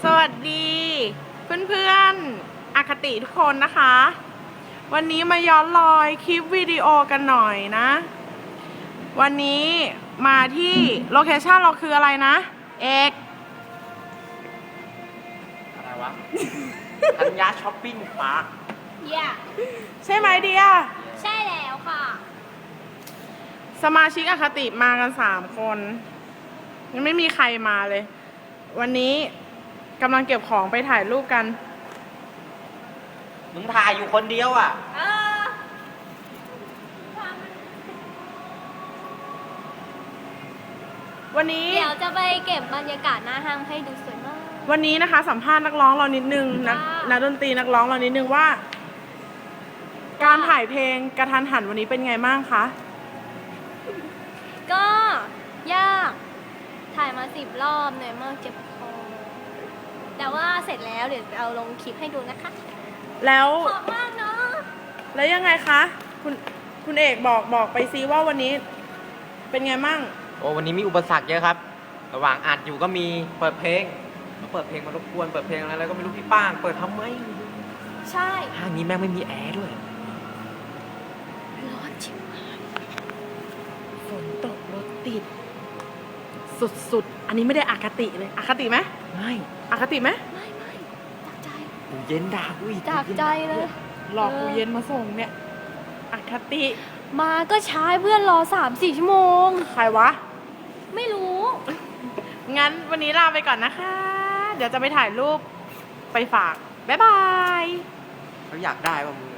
สวัสดีเพื่อนๆอคติทุกคนนะคะ วันนี้มาย้อนรอยคลิปวิดีโอกันหน่อยนะ วันนี้มาที่โลเคชั่นเราคืออะไรนะ เอกอะไรวะ ธัญญาช้อปปิ้งพาร์ค Yeah ใช่ไหมเดียใช่แล้วค่ะสมาชิกอคติมากัน3 คนยังไม่มีใครมาเลย วันนี้กำลังเก็บของไปถ่ายรูปกันมึงถ่ายอยู่คนเดียวอ่ะวันนี้เดี๋ยวจะไปเก็บบรรยากาศหน้าห้างให้ดูสวยมากวันนี้นะคะสัมภาษณ์นักร้องเรานิดนึงนักดนตรีนักร้องเรานิดนึงว่า การถ่ายเพลงกระทันหันวันนี้เป็นไงบ้างคะก็ยากถ่ายมา10 รอบเหนื่อยมากเจ็บคอแต่ว่าเสร็จแล้วเดี๋ยวเอาลงคลิปให้ดูนะคะแล้วขอบมากเนาะแล้วยังไงคะคุณเอกบอกไปซิว่าวันนี้เป็นไงมั่งโอ้วันนี้มีอุปสรรคเยอะครับ ระหว่างอัดอยู่ก็มีเปิดเพลงมาเปิดเพลงมารบกวนเปิดเพลงอะไรก็ไม่รู้พี่ป้างเปิดทำไมใช่ห้างนี้แม่งไม่มีแอร์ด้วยร้อนชิบหายฝนตกรถติด สุดๆ อันนี้ไม่ได้อคติเลยอคติไหมไม่อคติไหมไม่จากใจกูเย็นด่ากูอีกจากใจเลยหลอกกูเย็นมาส่งเนี่ยอคติมาก็ช้าเพื่อนรอ3-4 ชั่วโมงใครวะไม่รู้งั้นวันนี้ลาไปก่อนนะคะ เดี๋ยวจะไปถ่ายรูปไปฝาก บ๊ายบายเขาอยากได้ป่ะมึง